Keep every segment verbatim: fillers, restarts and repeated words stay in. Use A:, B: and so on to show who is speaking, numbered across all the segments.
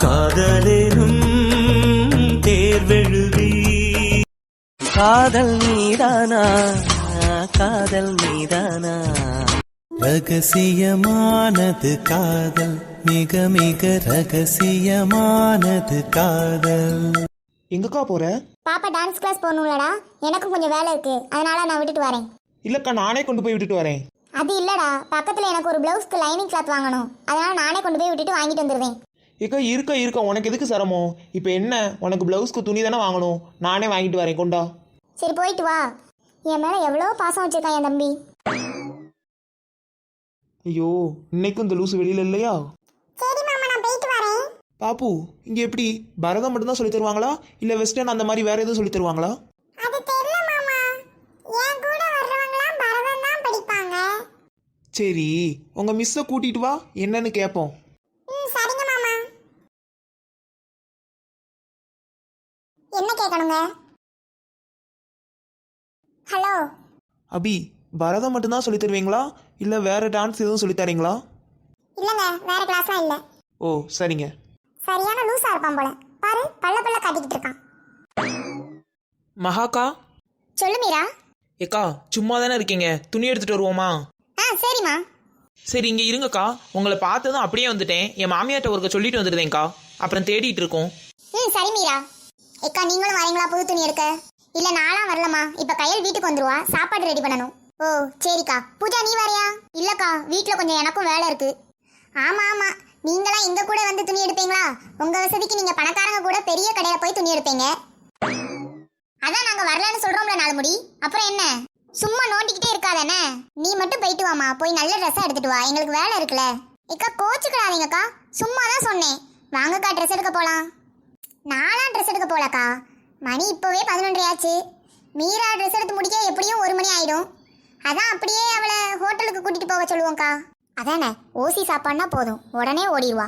A: காதலேனும் தேர்வெழுதி காதல் மீதானா காதல் மீதானா ரகசியமானது காதல் மிக மிக ரகசியமானது காதல்.
B: எங்கக்கா போற?
C: பாப்பா டான்ஸ் கிளாஸ் போகணும்லடா, எனக்கும் கொஞ்சம் வேலை இருக்கு, அதனால நான் விட்டுட்டு வரேன்.
B: இல்லக்கா, நானே கொண்டு போய் விட்டுட்டு வரேன்.
C: அது இல்லடா, பக்கத்துல எனக்கு ஒரு பிளவுஸ்க்கு லைனிங் கிளாத் வாங்கணும், அதனால நானே கொண்டு போய் விட்டுட்டு வாங்கிட்டு வந்துடுவேன்.
B: ஏக்கா இருக்க இருக்க உனக்கு எதுக்கு சிரமம்? இப்போ என்ன, உனக்கு பிளவுஸ்க்கு துணி தானே வாங்கணும், நானே வாங்கிட்டு வரேன், கொண்டா.
C: சரி போயிட்டு வா. என் மேல எவ்வளோ பாசம் வச்சிருக்கான் என் தம்பி.
B: ஐயோ, இன்னைக்கும் இந்த லூசு வெளியில இல்லையா?
C: சரி மாமா, நான் போயிட்டு வரேன்.
B: பாப்பு, இங்க எப்படி பரதம் மட்டும்தான் சொல்லி தருவாங்களா இல்ல வெஸ்டர்ன் அந்த மாதிரி வேற எதுவும் சொல்லி தருவாங்களா?
C: அது தெரியல மாமா, என் கூட வர்றவங்கலாம் பரதம் தான் படிப்பாங்க.
B: சரி, உங்க மிஸ்ஸை கூட்டிட்டு வா, என்னன்னு கேட்போம்.
C: ம் சரிங்க மாமா. என்ன கேட்கணுங்க? ஹலோ
B: அபி, பரதம் மட்டும்தான் சொல்லி தருவீங்களா இல்ல வேற டான்ஸ் எதுவும் சொல்லி தரீங்களா?
C: இல்லங்க, வேற கிளாஸ்லாம் இல்ல.
B: ஓ சரிங்க.
C: சரியான லூசா இருப்பான் போல, பாரு பல்ல பல்ல காட்டிக்கிட்டு இருக்கான்.
B: மகாக்கா.
C: சொல்லு மீரா.
B: ஏக்கா, சும்மா தானே இருக்கீங்க, துணி எடுத்துட்டு வருவோமா?
C: ஆ சரிம்மா.
B: சரி இங்க இருங்கக்கா, உங்களை பார்த்ததும் அப்படியே வந்துட்டேன், என் மாமியார்ட்ட ஒருக்க சொல்லிட்டு வந்துருந்தேன்க்கா, அப்புறம் தேடிட்டு இருக்கோம்.
C: ம் சரி மீரா. ஏக்கா நீங்களும் வரீங்களா புது துணி எடுக்க? இல்ல நாளாம் வரலம்மா, இப்ப கையல் வீட்டுக்கு வந்துருவா, சாப்பாடு ரெடி பண்ணணும். ஓ சரிக்கா. பூஜா நீ வரையா? இல்லக்கா, வீட்டுல கொஞ்சம் எனக்கும் வேலை இருக்கு. ஆமா ஆமா, நீங்களாம் எங்க கூட வந்து துணி எடுப்பீங்களா? உங்க வசதிக்கு நீங்க பணக்காரங்க கூட பெரிய கடையில போய் துணி எடுப்பீங்க. அதான் நாங்க வரலன்னு சொல்றோம்ல நாலு முடி, அப்புறம் என்ன சும்மா நோண்டிக்கிட்டே இருக்காதானே? நீ மட்டும் போயிட்டு வாமா, போய் நல்ல ட்ரெஸ்ஸா எடுத்துட்டு வா, எங்களுக்கு வேலை இருக்குல்ல. ஏக்கா கோச்சுக்கிடாதீங்கக்கா, சும்மா தான் சொன்னேன். வாங்கக்கா ட்ரெஸ் எடுக்க போலாம். நாலாம் ட்ரெஸ் எடுக்க போலக்கா, மணி இப்போவே பதினொன்றரை ஆச்சு. மீரா ட்ரெஸ் எடுத்து முடிக்க எப்படியும் ஒரு மணி ஆயிடும். அதான் அப்படியே அவளை ஹோட்டலுக்கு கூட்டிட்டு போக சொல்லுவோம்க்கா. அதானே, ஓசி சாப்பாடுனா போதும், உடனே ஓடிடுவா.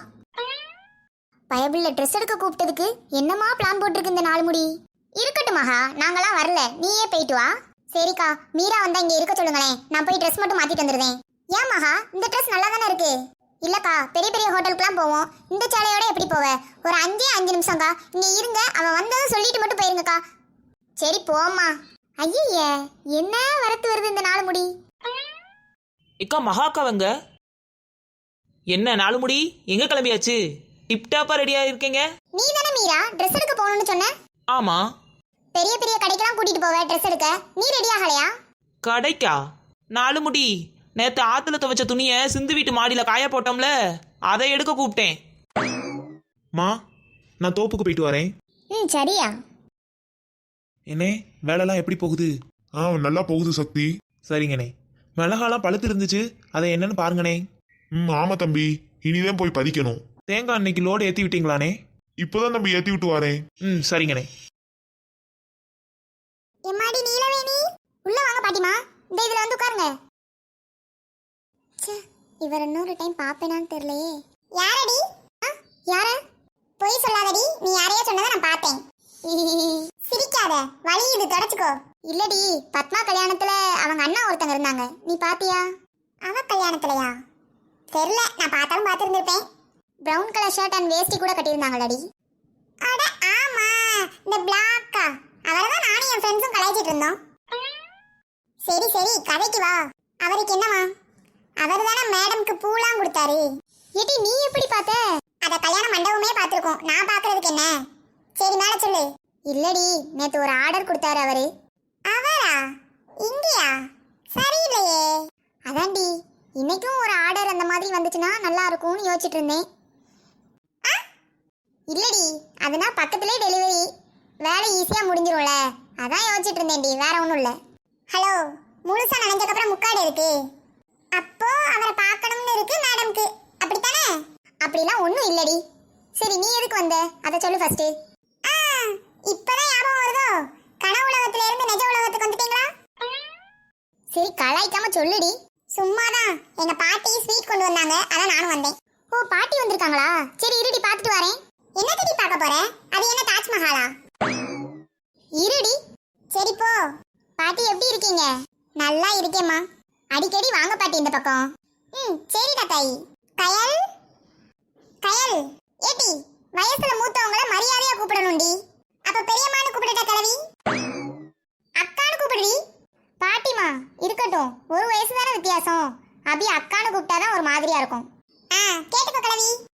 C: பயபிள்ல ட்ரெஸ் எடுக்க கூப்பிட்டதுக்கு என்னமா பிளான் போட்டிருக்கு இந்த நாலு முடி? இருக்கட்டும் மகா, நாங்களாம் வரல, நீயே போயிட்டு வா. சரிக்கா, மீரா வந்தா இங்க இருக்க சொல்லுங்களேன், நான் போய் ட்ரெஸ் மட்டும் மாத்திட்டு வந்துடுவேன். ஏன் மகா, இந்த ட்ரெஸ் நல்லா தானே இருக்கு. இல்லக்கா, பெரிய பெரிய ஹோட்டலுக்குலாம் போவோம், இந்த சேலையோட எப்படி போவ? ஒரு அஞ்சே அஞ்சு நிமிஷம்க்கா, இங்க இருங்க, அவன் வந்ததும் சொல்லிட்டு மட்டும் போயிருங்கக்கா. சரி போம்மா. ஐயே, என்ன வரத்து வருது இந்த நாலு முடி.
B: இக்கா மகாக்காவங்க என்ன நாலு முடி, எங்க கிளம்பியாச்சு? டிப்டாப்பா ரெடியா இருக்கீங்க?
C: நீ தானே மீரா ட்ரெஸ் எடுக்க போகணும்னு சொன்ன?
B: ஆமா.
C: பெரிய பெரிய கடைக்கெல்லாம் கூட்டிட்டு போவ ட்ரெஸ் எடுக்க, நீ ரெடி ஆகலையா?
B: கடைக்கா? நாலு முடி, நேத்து ஆத்துல துவைச்ச துணிய சிந்து வீட்டு மாடியில காய போட்டோம்ல, அதை எடுக்க கூப்பிட்டேன். மா, நான் தோப்புக்கு போயிட்டு வரேன்.
C: ம் சரியா.
B: என்னே, வேலைலாம் எப்படி போகுது?
D: ஆ நல்லா போகுது சக்தி.
B: சரிங்கண்ணே. மிளகாலாம் பழுத்து இருந்துச்சு, அதை என்னன்னு பாருங்கண்ணே.
D: ம் ஆமா தம்பி, இனிதான் போய் பதிக்கணும்.
B: தேங்காய் அன்னைக்கு லோடு ஏற்றி விட்டீங்களாண்ணே?
D: இப்போதான் தம்பி ஏத்தி விட்டு வரேன்.
B: ம் சரிங்கண்ணே.
C: எம்மாடி நீலவேணி, உள்ள வாங்க பாட்டிமா, இந்த இதுல வந்து உட்காருங்க. ச்சே, இவர் இன்னொரு டைம் பாப்பேனான்னு தெரியலையே. யாரடி? யார? பொய் சொல்லாதடி, நீ யாரையோ சொன்னதை நான் பார்த்தேன். சிரிக்காத, வலி இது தொடச்சுக்கோ. இல்லடி, பத்மா கல்யாணத்துல அவங்க அண்ணா ஒருத்தங்க இருந்தாங்க, நீ பாத்தியா? அவ கல்யாணத்துலயா? தெரியல, நான் பார்த்தாலும் பார்த்துருந்துருப்பேன். பிரவுன் கலர் ஷர்ட் அண்ட் வேஸ்டி கூட கட்டியிருந்தாங்களடி. அட ஆமா, இந்த பிளாக்கா, அவரை தான் நானும் என் ஃப்ரெண்ட்ஸும் கலாய்ச்சிட்டு இருந்தோம். சரி சரி, கதைக்கு வா. அவருக்கு என்னவா? அவர் தானே மேடம்க்கு பூலாம் கொடுத்தாரு. ஏடி நீ எப்படி பார்த்த? அத கல்யாண மண்டபமே பார்த்துருக்கோம், நான் பார்க்கறதுக்கு என்ன? சரி மேல சொல்லு. இல்லடி, நேத்து ஒரு ஆர்டர் கொடுத்தாரு அவரு. அவரா? இங்கயா? சரியில்லையே. அதான்டி, இன்னைக்கும் ஒரு ஆர்டர் அந்த மாதிரி வந்துச்சுன்னா நல்லா இருக்கும்னு யோசிச்சுட்டு இருந்தேன். இல்லடி, அதுனா பக்கத்துலேயே டெலிவரி, வேலை ஈஸியா முடிஞ்சிரும்ல, அதான் யோசிச்சுட்டு இருந்தேன்டி, வேற ஒன்றும் இல்லை. ஹலோ, முழுசா நினைஞ்சக்கப்புறம் முக்காடு இருக்கு, அப்போ அவரை பார்க்கணும்னு இருக்கு மேடம்க்கு, அப்படித்தானே? அப்படிலாம் ஒன்றும் இல்லடி. சரி நீ எதுக்கு வந்த, அதை சொல்லு ஃபர்ஸ்ட். இப்பதான் ஞாபகம் வருதோ, கனவு உலகத்துல இருந்து நிஜ உலகத்துக்கு வந்துட்டீங்களா? சரி கலாய்க்காம சொல்லுடி. சும்மாதான், எங்க பாட்டி ஸ்வீட் கொண்டு வந்தாங்க, அதான் நானும் வந்தேன். ஓ பாட்டி வந்திருக்காங்களா? சரி இருடி பார்த்துட்டு வரேன். என்ன தேடி பார்க்க போற? அது என்ன தாஜ்மஹாலா? இருடி. சரி போ. பாட்டி எப்படி இருக்கீங்க? நல்லா இருக்கேம்மா. அடிக்கடி வாங்க பாட்டி இந்த பக்கம். ம் சரிடா தாய். கயல் கயல் ஏட்டி வயசுல மூத்தவங்கள மரியாதையா கூப்பிடணும்டி. அப்ப பெரியம்மான்னு கூப்பிடட்ட கிழவி? அக்கான்னு கூப்பிடுடி. பாட்டிமா இருக்கட்டும், ஒரு வயசு தானே வித்தியாசம். அபி அக்கான்னு கூப்பிட்டாதான் ஒரு மாதிரியா இருக்கும். ஆ கேட்டுக்கோ கிழவி.